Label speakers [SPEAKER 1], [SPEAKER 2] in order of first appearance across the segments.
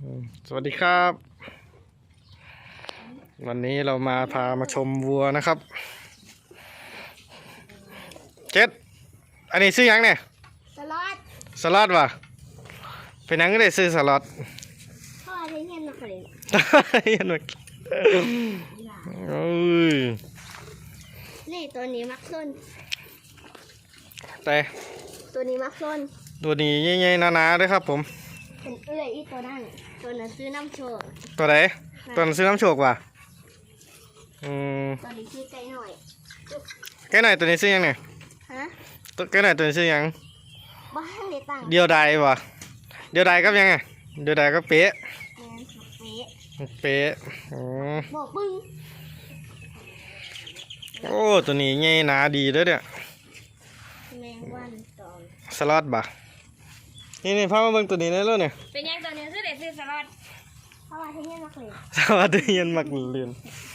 [SPEAKER 1] สวัสดีครับ วันนี้เราพามาชมวัวนะครับเจ็ดอันนี้ซื้อยังเนี่ย
[SPEAKER 2] สล็อต
[SPEAKER 1] สล็อตวะเป็นยังก็ได้ซื้อสล็อต
[SPEAKER 2] พ่อใช้เงินมาขาย
[SPEAKER 1] ยันหมดโอ้ย
[SPEAKER 2] นี่ตัวนี้มักส้น
[SPEAKER 1] แต่
[SPEAKER 2] ตัวนี้มักส้น
[SPEAKER 1] ตัวนี้ใหญ่ๆหนาๆด้วยครับผม
[SPEAKER 2] เป็นอีตัวนั้นซื้อน้ำโชก
[SPEAKER 1] ตัวไหนตัวนั้นซื้อน้ำโชกว่ะ
[SPEAKER 2] ตัวนี้ซื้อไก่หน่อย
[SPEAKER 1] ไก่หน่อยตัวนี้ซื้อยังเนี่ย
[SPEAKER 2] ฮะ
[SPEAKER 1] ไก่หน่อยตัวนี้ซื้อยัง
[SPEAKER 2] บ้านเลยตัง
[SPEAKER 1] เดียวดายวะเดียวดายก็ยังไงเดียวดายก็เป๊ะเป๊ะ
[SPEAKER 2] บอกปึ้ง
[SPEAKER 1] โอ้ตัวนี้ใหญ่หนาดีด้วยเนี่ย
[SPEAKER 2] แมงวันตอน
[SPEAKER 1] สล็อตบ่ะนี่พามาเบิ่งตัวนี้ได้แล้วเนี่ย
[SPEAKER 2] เป็นยังตัวนี้ซื้อเด็ดซื้อสล็อตเพราะว่าที่นี่มักเลย
[SPEAKER 1] สวัสดียันมักเรียน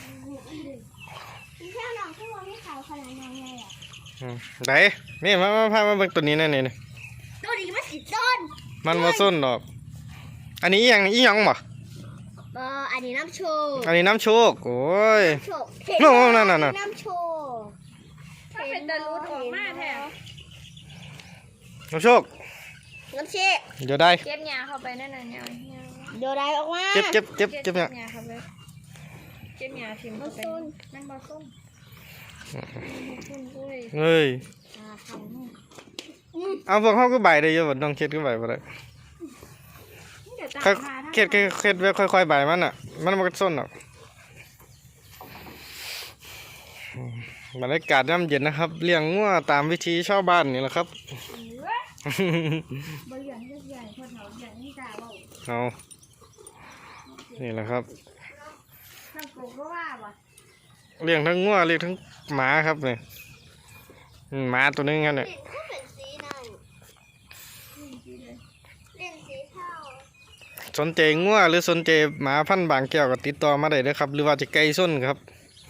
[SPEAKER 2] พี่เจ้าหนังที่ว่าไม่ขาวขนาดนั้นเลยอ่ะ
[SPEAKER 1] ไหนนี่พามาเบิ่งตัวนี้นั่นนี่
[SPEAKER 2] ตัวนี้มันสิต้น
[SPEAKER 1] มันมาส้นดอกอันนี้อีหยังบ่
[SPEAKER 2] อันนี้น้ำโชก
[SPEAKER 1] อันนี้น้ำโชกโอ้ย
[SPEAKER 2] โน่
[SPEAKER 1] นั่น
[SPEAKER 2] น้ำโชก
[SPEAKER 3] ถ้าเป็นตะลุดออกมาแท้
[SPEAKER 1] น้ำโชค
[SPEAKER 2] น้ำเชก
[SPEAKER 1] เดี๋ยวได้
[SPEAKER 3] เก็บหญ้าเข้าไปนั่นน่ะเนี่ย
[SPEAKER 2] เดี๋ยวได้ออกมา
[SPEAKER 1] เก็บ
[SPEAKER 3] หญ้า
[SPEAKER 1] เนี่ย
[SPEAKER 3] เข้าไปเก็บหญ้าทิ่มเข้าไปนั่นบ่ส้ม
[SPEAKER 1] เฮ้ยเอาพวกเขาก็ใบได้เยอะบ่ต้องเค็ดก็ใบบ่ได้เค็ดไว้ค่อยๆใบมันอ่ะมันก็ส้นหรอกบรรยากาศย่ำเย็นนะครับเลี้ยงงัวตามวิธีชาวบ้านนี่แหละครับเอานี่แหละครับเลี้ยงทั้งงัวเลี้ยงทั้งหมาครับเนี่ยหมาตัวนึงกันเนี่ยสนใจงัวหรือสนใจหมาพันธุ์บางแก้วก็ติดต่อมาได้เลยครับหรือว่าจะไก่ส้นครับ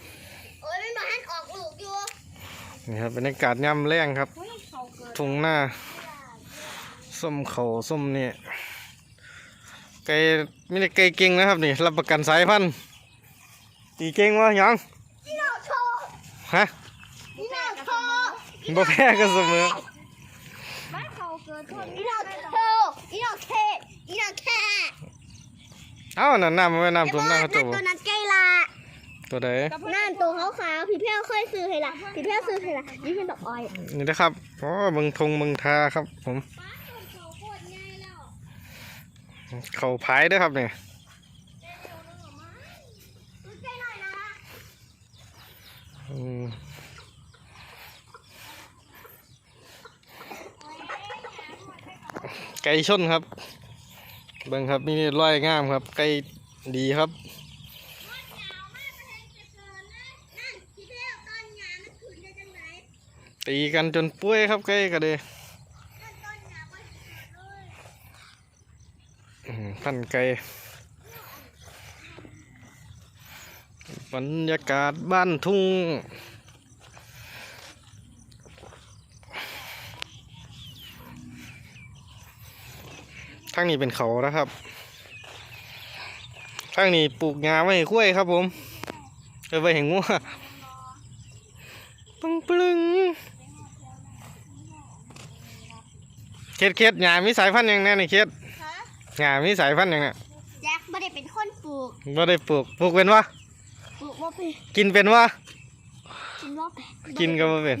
[SPEAKER 1] นี่ครับบรรยากาศย่ำแรงครับทุ่งหน้าส้มเขาส้มเนี่ยไก่ไม่ได้ไก่เก่งนะครับนี่รับประกันสายพันธุ์ตีเก่งวะยังฮะบ่แพ้กันเสมอเอ้านั่นน้ำไม่น้ำตัวน้ำเขาตัว
[SPEAKER 2] นั้นไก่ละ
[SPEAKER 1] ตัวใด
[SPEAKER 2] นั่นตัวขาวๆพี่เพี้ยวเคยซื้อให้ละพี่เพี้ยวซื้อให้ละนี่เป็นดอกอ้อย
[SPEAKER 1] นี่นะครับอ๋อเมืองทงเมืองทาครับผมเขาพายด้วยครับเนี่ยไก่ชนครับเบิ่งครับนี่ร้อยงามครับไก่ดีครับตีกันจนป่วยครับไก่ก็เลยพันไก่บรรยากาศบ้านทุ่งทางนี้เป็นเขานะครับทางนี้ปลูกงาไว้ให้กล้วยครับผมไว้ให้งัวปึ้งเค็ดหญ้ามีสายพันธุ์อย่างนี้นี่เค็ดหญ้ามีสายพันธุ์อย่างนี้
[SPEAKER 2] แจ็คไม่ได้เป็นคนปลูก
[SPEAKER 1] ไม่ได้ปลูกเป็นวะ
[SPEAKER 2] ปลูกว่าเป็น
[SPEAKER 1] กินเป็นวะกินก็ไม่เป็น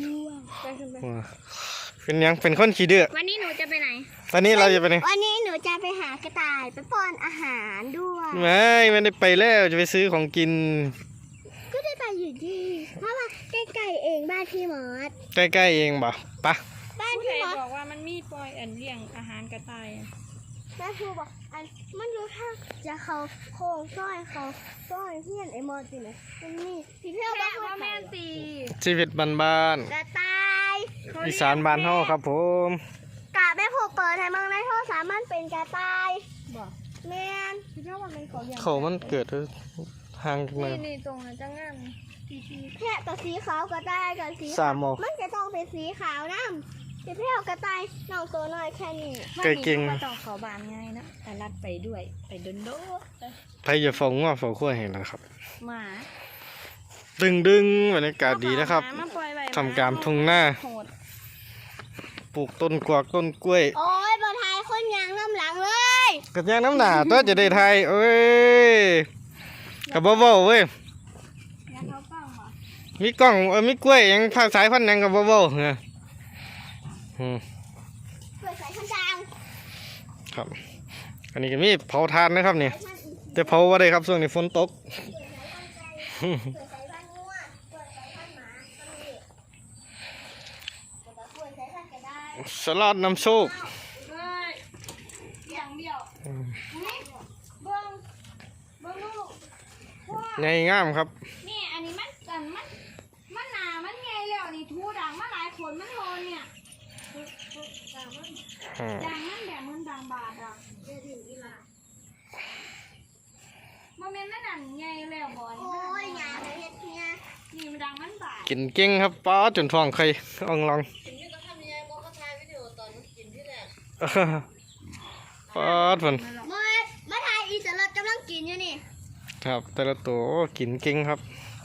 [SPEAKER 1] เป็นยังเป็นคนขี้ดื้อ
[SPEAKER 3] วันนี้หนูจะไปไหน
[SPEAKER 1] วันนี้เราจะไปไหน
[SPEAKER 2] วันนี้หนูจะไปหากระต่ายไปป้อนอาหารด้วย
[SPEAKER 1] ไม่ได้ไปแล้วจะไปซื้อของกิน
[SPEAKER 2] ก็ได้ไปอยู่ดีเพราะว่าใกล้ๆเองบ้านพี่มอส
[SPEAKER 1] ใกล้ๆเองบ่ปะ
[SPEAKER 3] บ้านพี่มอสบอกว่ามันมีปล่อยเลี้ยงอาหารกระต่าย
[SPEAKER 2] แม่ครูบอกมันรู้ท่าจะเขาโค้งซ้อยเฮียนไอ้มอสจริงไหมมันมีพี่เพี้ยวบ้าน
[SPEAKER 3] แม่ตี
[SPEAKER 1] ชีวิตบ้าน
[SPEAKER 2] กระต่าย
[SPEAKER 1] อีสานบ้านเฮาครับผม
[SPEAKER 2] กะแม่ผูกเปิดให้มึงในโทรศัพท์มันเป็นกระต่ายบอกแม่พี่เพี้ยวว่ามัน
[SPEAKER 1] เขามันเกิดห่าง
[SPEAKER 3] กันนี่ตรงนั้นจะงาม
[SPEAKER 2] แค่ตัวสีขาวก็ได้กับสี
[SPEAKER 1] สามโม
[SPEAKER 2] มันจะต้องเป็นสีขาวน้พี่เพี้ยวกระต่ายน้องตัวน้อยแค่นี้
[SPEAKER 1] ไก่เก่ง
[SPEAKER 3] มาต้องเขาบานง่ายนะแต่รัดไปด้วยไปโดนโดด
[SPEAKER 1] ไผจะฟ้องว่าฟ้องขั้วเห็นนะครับ
[SPEAKER 3] หมา
[SPEAKER 1] ดึงบรรยากาศดีนะครับ
[SPEAKER 3] เอาหมามาปล่อยไว้
[SPEAKER 1] ทำการทุ่งหน้า
[SPEAKER 3] โหด
[SPEAKER 1] ปลูกต้นกวากต้นกล้วย
[SPEAKER 2] โอ้ยบอทายคนยางน้ำหลังเลย
[SPEAKER 1] กระยางน้ำหนาตัวจะได้ไทยเอ้ยกับบ่เว้าเว้ย
[SPEAKER 3] งั้นเขาฟังหมา
[SPEAKER 1] มีกล้องมีกล้วยยังภาคสายพันธุ์หยังกับบ่เว้าเนี่ยอืม
[SPEAKER 2] เปิดสายพันธุ์ดัง
[SPEAKER 1] ครับ อันนี้ก็มีเผาทานนะครับเนี่ยแต่เผาว่าได้ครับช่วงนี้ฝนตก
[SPEAKER 2] เปิดสายพันธุ์ไก่เปิดสายพันธุ์งัวเปิดสายพันธุ์หมาก็มีเปิดสายพันธุ์กระได้
[SPEAKER 1] สลัดน้ำโชค
[SPEAKER 3] เฮ้ยอย่างเดียวนี่เบิ้งลูกพ่อ
[SPEAKER 1] ใหญ่งามครับ
[SPEAKER 3] นี่อันนี้มันหนามันไงแล้วนี่ทูดังมาหลายคนมันโลเนี่ย
[SPEAKER 1] อืม
[SPEAKER 3] ดังมันแบบมันดังบาดอ่ะโมเมนต์มันดังไงแล้วบอย
[SPEAKER 2] โอ้ยหยาเลยเฮ็ดเนี่ย
[SPEAKER 3] นี่มันดังมันบาด
[SPEAKER 1] กินเก่งครับป้าจนท้องใครอ่องลองป้าดมัน
[SPEAKER 2] มาถ่ายอีสลัดกำลังกินอยู่นี่
[SPEAKER 1] ครับแต่ละตัวกินเก่งครับ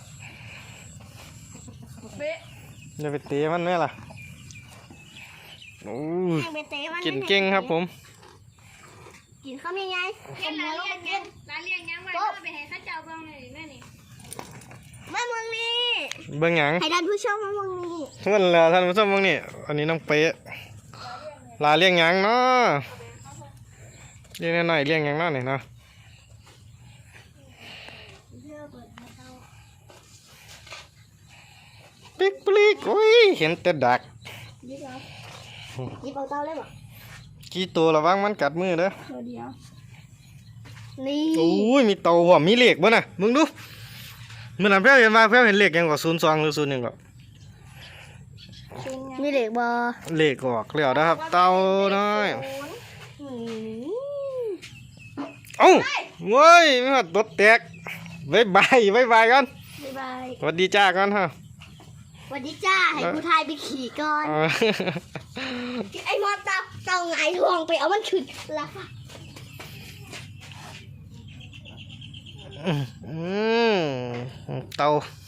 [SPEAKER 3] เป๊ะ
[SPEAKER 1] อย่าไปเตะมันแม่ล่ะโอ้ย
[SPEAKER 2] แข่งไปเตะมัน
[SPEAKER 1] กินเก่งครับผม
[SPEAKER 2] กินข้าวยังไง
[SPEAKER 3] เรียนร้านเรียนยังร้านเรียนยังไว้ก็ไปให้ข้าเจ้าเบิ่งหน่อยแม่นี่
[SPEAKER 2] มาเมืองนี้
[SPEAKER 1] เบิ่งหยัง
[SPEAKER 2] ให้ท่านผู้ชมมาเมืองนี้
[SPEAKER 1] เพื่อนแล้วท่านผู้ชมเบิ่งนี่อันนี้น้องเป๊ะลาเลี้ยงหยังเนาะเลี้ยงน้อยๆเลี้ยงหยังเนาะนี่เนาะปิ๊กปลิกโอ้ยเห็นแต่ดัก
[SPEAKER 2] ยิบเอาเตาเลยบ่
[SPEAKER 1] กี่ตัวระวังมันกัดมือเด้อ
[SPEAKER 3] ตัวเดียว
[SPEAKER 2] นี่
[SPEAKER 1] โอ้ยมีเต่าหัวมีเหล็กบ่น่ะมึงดูเมื่อนั้นเพื่อนเห็นมาเพื่อนเห็นเหล็กยังกว่า02หรือ01ก็
[SPEAKER 2] มีเด็กบ่
[SPEAKER 1] เหล็กออกแล้วนะครับ เต่าน้อยเอ้าเว้ยไม่ว่าตดแตกบ๊ายบายบ๊ายบายกัน
[SPEAKER 2] บ๊ายบาย
[SPEAKER 1] สวัสดีจ้ากันฮะ
[SPEAKER 2] สวัสดีจ้า ให้กูทายไปขี่ก่อน ไอ้มอตาเต่าไงทวงไปเอามันขึ้นแล้วค่ะ
[SPEAKER 1] เต่า